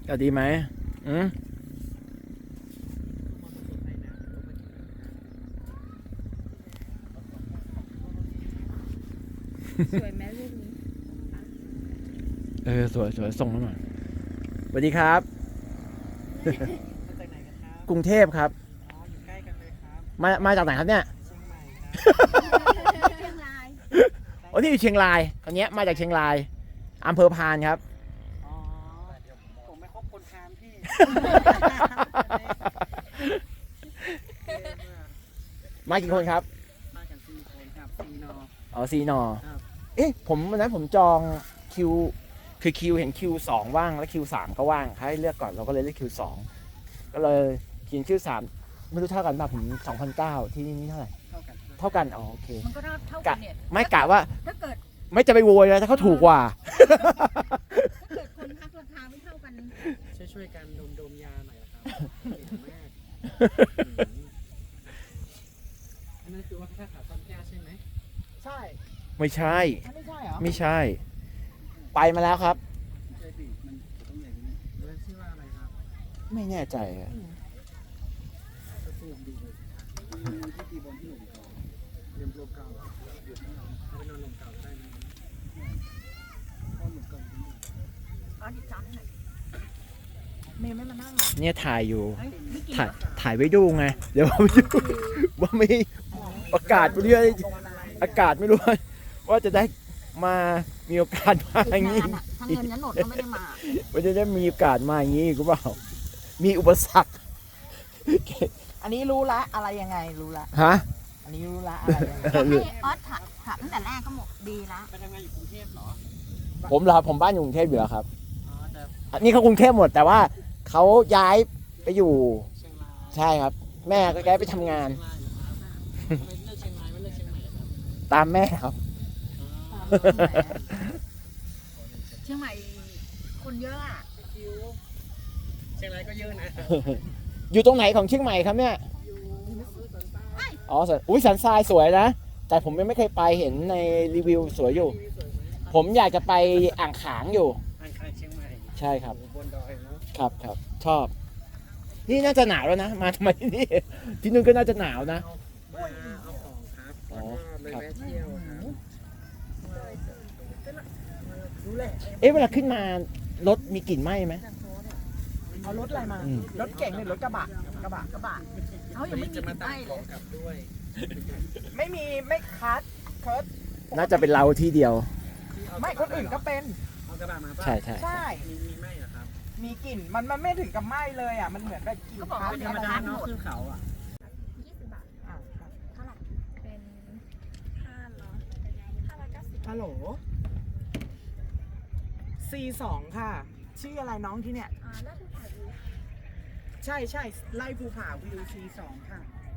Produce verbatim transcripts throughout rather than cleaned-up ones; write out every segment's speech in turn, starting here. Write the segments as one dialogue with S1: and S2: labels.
S1: ก็ดีไหมอืม
S2: สวยไหมรูปนี้
S1: เออสวยสวยส่งมาหน่อยสวัสดีครับ
S3: มาจากไหนกันครับ
S1: กรุงเทพครับ
S3: อ๋ออยู่ใกล้กันเลยครับ
S1: มามาจากไหนครับเนี่ย
S3: เชียงใหม่ครับ
S2: เชียงราย
S1: โอ้ที่อยู่เชียงรายคนนี้มาจากเชียงรายอำเภอพานครับ
S3: อ๋อผมไม่คบคนทานพี่
S1: มากี่คนครับ
S3: มากันสี่คนครับสี่นอ
S1: อ๋อซีนอ
S3: ครับ
S1: เอ๊ะผมวันนั้นผมจองคิวคือคิวเห็นคิวสองว่างแล้วคิวสามก็ว่างให้เลือกก่อนเราก็เลยเลือกคิวสองก็เลยกินคิวสามไม่รู้เท่ากันป่ะผมสองพันเก้าที่นี่เท่าไหร่
S3: เท่ากัน
S1: เท่ากันอ๋อโอเค
S2: มันก็เท่าเท่ากันเนี่ย
S1: ไม่กะว่า
S2: ถ้าเกิด
S1: ไม่จะไปโวยเลยถ้าเขาถูกกว่า
S2: ถ้าเกิดคนพักราคาไม่เท่ากัน
S3: ช่วยช่วยๆกันดมดมๆยาหน่อยนะครับเก่งมากอันนั้นคือว่าถ้าขาต้นแก้วใช่ไหมใช่
S1: ไม่ใช่
S3: อันไม่ใช่เหรอ
S1: ไม่ใช่ ไปมาแล้วครับ
S3: ใช่ดิมันจะต้องอย่างนี้แล้วชื่อว่าอะไรครับ
S1: ไม่แน่ใจอะ
S3: ก็ซูมดูเลยมีที่ตีบอลที่หนุ่มเก่าเรียมโลเก่าหยุดไม่เอาเอาไปนอนหนุ่มเก่าได้ไหมก็หนุ่มเก่าจริง
S2: อ๋อดิฉันหน่อย
S3: เมย์ไม่มานั่ง
S1: เนี่ยถ่ายอยู่
S2: เฮ้ยไม่กิน
S1: ถ่ายถ่ายไว้ดูไง เดี๋ยวไปดูว่าไม่อากาศไม่รู้อากาศไม่รู้ว่าจะได้มามีโอกาสมาอย่างนี้
S2: ทั้งเงินทั้งโหนดก็ไม่ได้มา
S1: ว่าจะได้มีโอกาสมาอย่างนี้หรือเปล่ามีอุปสรรค
S4: อันนี้รู้ละอะไรยังไงรู้ละ
S1: ฮะ
S4: อันนี้รู้ละอะไรยังไง
S2: อยากให้ออสถามถามตั้งแต่แรกก็หมดดีละ
S3: ไปทำงานอยู่กรุงเทพเหรอ
S1: ผมเหรอครับผมบ้านอยู่กรุงเทพอยู่แล้วครับ
S3: อ๋อแต่
S1: อันนี้เขากรุงเทพหมดแต่ว่าเขาย้ายไปอยู่
S3: เชียงราย
S1: ใช่ครับ แม่ก็ย้ายไปทำงาน
S3: เชียงรายเหรอครับทำไมเลือกเชียงรายไม่เลือกเชียงใหม่ครับ
S1: ตามแม่ครับ
S3: อ๋อ
S2: เชียงใหม่คนเยอะอะ
S3: คิวเชียงรายก็เยอะนะ
S1: อยู่ตรงไหนของเชียงใหม่ครับเนี่ย
S3: อยู่สันใต้
S1: อ๋อสันอุ้ยสันทรายสวยนะ แต่ผมยังไม่เคยไปเห็นในรีวิวสวยอยู่
S3: ทีวีสวยไหม
S1: ผมอยากจะไปอ่างขางอยู่
S3: อ่างคายเชียงใหม่
S1: ใช่ครับ
S3: โอ้โหบนดอยเนาะ
S1: ครับครับชอบ นี่น่าจะหนาวแล้วนะ มาทำไมที่นี่ ที่นู่นก็น่าจะหนาวนะ
S3: มาเอาของครับ
S1: อ๋อ
S3: แล้วก็เลยแวะเที่ยวครับ
S4: รู้เลย
S1: เอ๊ะเวลาขึ้นมารถมีกลิ่นไหม้ไหม
S4: เอารถอะไรมา
S1: อืม
S4: รถเก่งหรือรถกระบะกระบะ
S2: กระบะเขา
S3: วั
S2: ยั
S3: น
S2: งไม่
S3: นี้
S2: มี
S3: จะมา
S2: ติด
S3: ตา
S2: ป้าม ย
S3: ข
S2: เล
S3: อง
S2: ย
S3: กลับด้วย
S4: ไม่มีไม่คัดเคิร์ด
S1: น่าจะเป็นเราที่เดียว
S4: ไม่คนอื่นก็เป็น
S3: เอากระบะมาป่ะ
S1: ใช่ใช่
S4: ใช่
S3: มีมีไหมเหรอครับ
S4: มีกลิ่นมันมันไม่ถึงกับไหม้เลยอ่ะมันเหมือนแบบกลิ่นคัด
S3: เป็นธร
S4: อะ
S3: รม
S4: ไร
S3: ดาเนาะขึ้นเขาอ่ะ
S2: ยี่สิบบาท
S4: อ่ะครับ
S2: เท่าไหร่เป็นห้าร้อยห้าร้อยเก้าสิบ
S4: ฮัลโหล ซี สอง ค่ะ ชื่ออะไรน้องที่เนี่ย
S2: อ่าแล้วที่ถ่ายวิว
S4: ใช่ใช่ไล่ภูผาวิว ซี สอง ค่ะ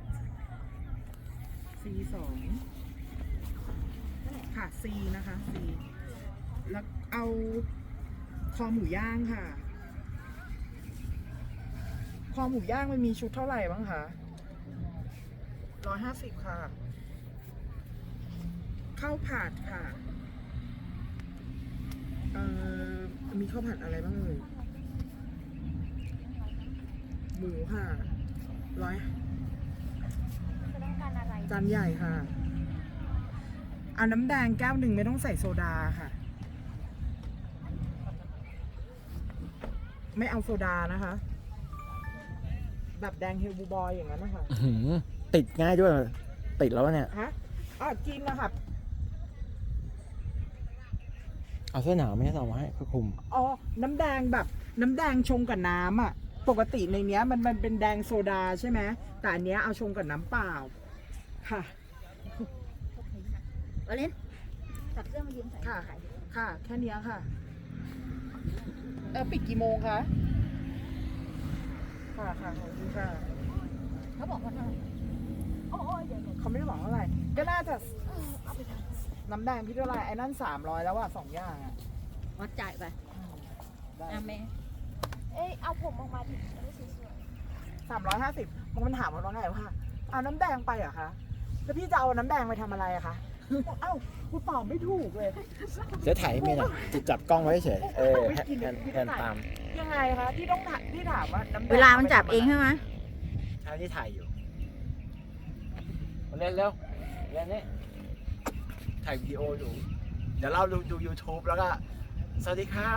S4: ซี สอง ค่ะ C นะคะ C แล้วเอาคอหมูย่างค่ะ คอหมูย่างมันมีชุดเท่าไหร่บ้างคะร้อยห้าสิบค่ะ ข้าวผัดค่ะ เอ่อ มีข้าวผัดอะไรบ้างเอ่ย หมูค่ะร้อย
S2: จะต้องการอะไร
S4: จานใหญ่ค่ะเอาน้ำแดงแก้วหนึ่งไม่ต้องใส่โซดาค่ะ ไม่เอาโซดานะคะ แบบแดงเฮลบูบอยอย่างนั้นนะคะ
S1: อื้อหือติดง่ายด้วย ติดแล้วเนี่ย
S4: ฮะอ่ะกินนะคะ
S1: เอาเสื้อหนาวไม่ให้เอามาให้คลุม
S4: อ๋อ น้ำแดงแบบน้ำแดงชงกับน้ำอ่ะ ปกติในเนี้ยมันมันเป็นแดงโซดาใช่ไหมแต่อันเนี้ยเอาชงกับน้ำเปล่า ค่ะ
S2: วาเลนตัดเสื้อมายืมใส่
S4: ค่ะ
S2: ขายดิ
S4: ค่ะ แค่เนี้ยค่ะ เออปิดกี่โมงคะ ค่ะค่ะขอบคุณค่ะ
S2: เขาบอกว่าเท่าไหร่โอ้ยเดี๋ยวเดี๋ยว
S4: เขาไม่ได้บอกเท่าไหร่ ก็น่าจะ
S2: เออเอาไปท
S4: น้ำแดงพี่เท่าไหร่ไอ้นั่นสามร้อยแล้วอ่ะสองอย่างอ่ะ
S2: ำวัดจ่ายไป
S4: ได้
S2: อ่ะแม่เอ้ยเอาผมออกมาดิจะได้สวย
S4: สามร้อยห้าสิบมันถามว่าไงว่าเอาน้ำแดงไปเหรอคะ แล้วพี่จะเอาน้ำแดงไปทำอะไรอะคะ
S2: ๆ
S4: เอ้ากูตอบไม่ถูกเลย
S1: เจ๊ถ่ายให้เมียหน่อยจะจับกล้องไว้เฉยเออแฮนแฮนตาม
S4: ยังไงคะที่ต้องถามที่ถามว่าน้ำแดง
S2: เวลามันจับเองใช่ไหม
S1: ถ่ายที่ถ่ายอยู่มาเล่นเร็วเล่นนี่ถ่ายวิดีโออยู่เดี๋ยวเราดูดู YouTube แล้วก็สวัสดีครับ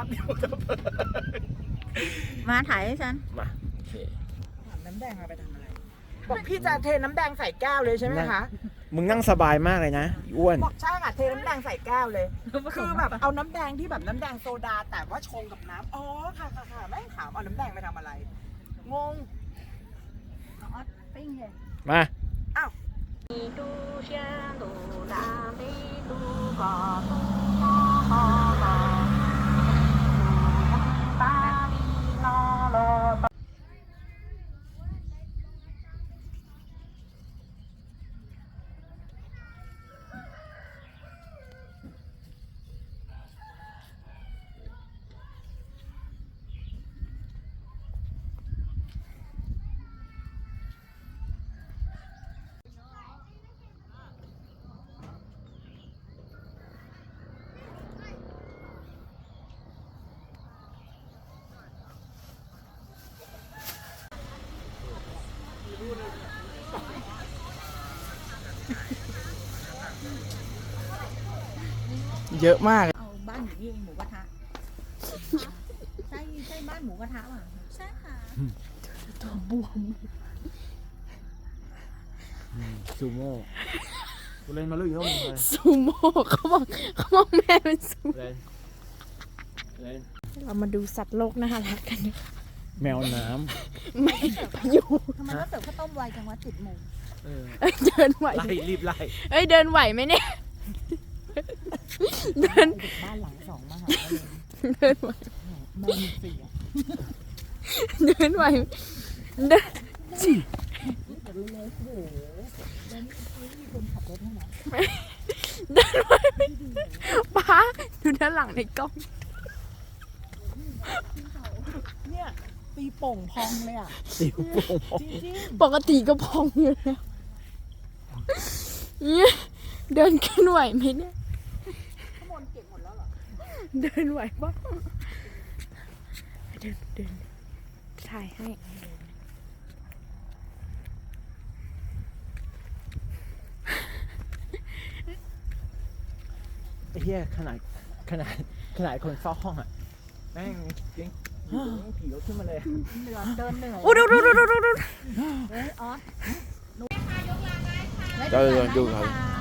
S2: มาถ่ายให้ฉัน
S1: มาโอเค
S4: ถามน้ำแดงเอาไปทำอะไรบอกพี่จะเทน้ำแดงใส่แก้วเลยใช่ไหมคะ
S1: มึงนั่งสบายมากเลยนะอ้วน
S4: บอกใช่ค่ะเทน้ำแดงใส่แก้วเลย คือแบบเอาน้ำแดงที่แบบน้ำแดงโซดาแต่ว่าชงกับน้ำอ๋อค่ะค่ะค่ะแม่งถามเอาน้ำแดงไปทำอะไร งง
S2: ปิ้งเลย
S1: มา
S4: อ้าว
S1: เยอะมาก
S2: เอาบ้านอยู่นี่เองหมูกระทะใช่ใช่บ้านหมูกระทะป่ะใช่ค่ะ
S1: ซูโม่กูเล่นมาลุยเขามึงเลย
S5: ซูโม่เขาบอกเขาบอกแม่เป็นซู
S1: เล่นเล่น
S5: เรามาดูสัตว์โลกน่ารักกัน
S1: แมวน้
S5: ไม่พายุ
S2: ทำไมก็เสิร์ฟข้าวต้มไวจังวะจิตโมง
S1: ำเออ
S5: เอ้ยเดินไหว
S1: ไล่รีบไล่
S5: เอ้ยเดินไหวไหมเนี่ย เดิน
S4: บ้านหลังสองมหา
S5: เดินไหว
S4: แม่มีเสีย
S5: เดินไหวเดินเดินไหวไหมป้าดูด้านหลังในกล้อง
S4: เนี่ยตีโป่งพองเลยอ่ะ
S1: สิวโป่ง
S4: จริง
S5: ปกติก็พองอยู่แล้วเนี่ยเดินขึ้นไหวไหมเนี่ย
S4: ข้างบนเก็บหมดแล้วเหรอ
S5: เดินไหวปะเดินเดินถ่ายให้
S1: ไอ้เหี้ยขนาดขนาดขนาดคนเฝ้าห้องอ่ะแม่งจริงผีก็ขึ้นมาเลย
S2: เหนื่อยเดินเหนื่อย
S5: โอ้ดูดูดูดูดู
S2: เฮ้ยออส
S1: เดี๋ยวเดี๋ยวดูครับ
S2: ค่ะ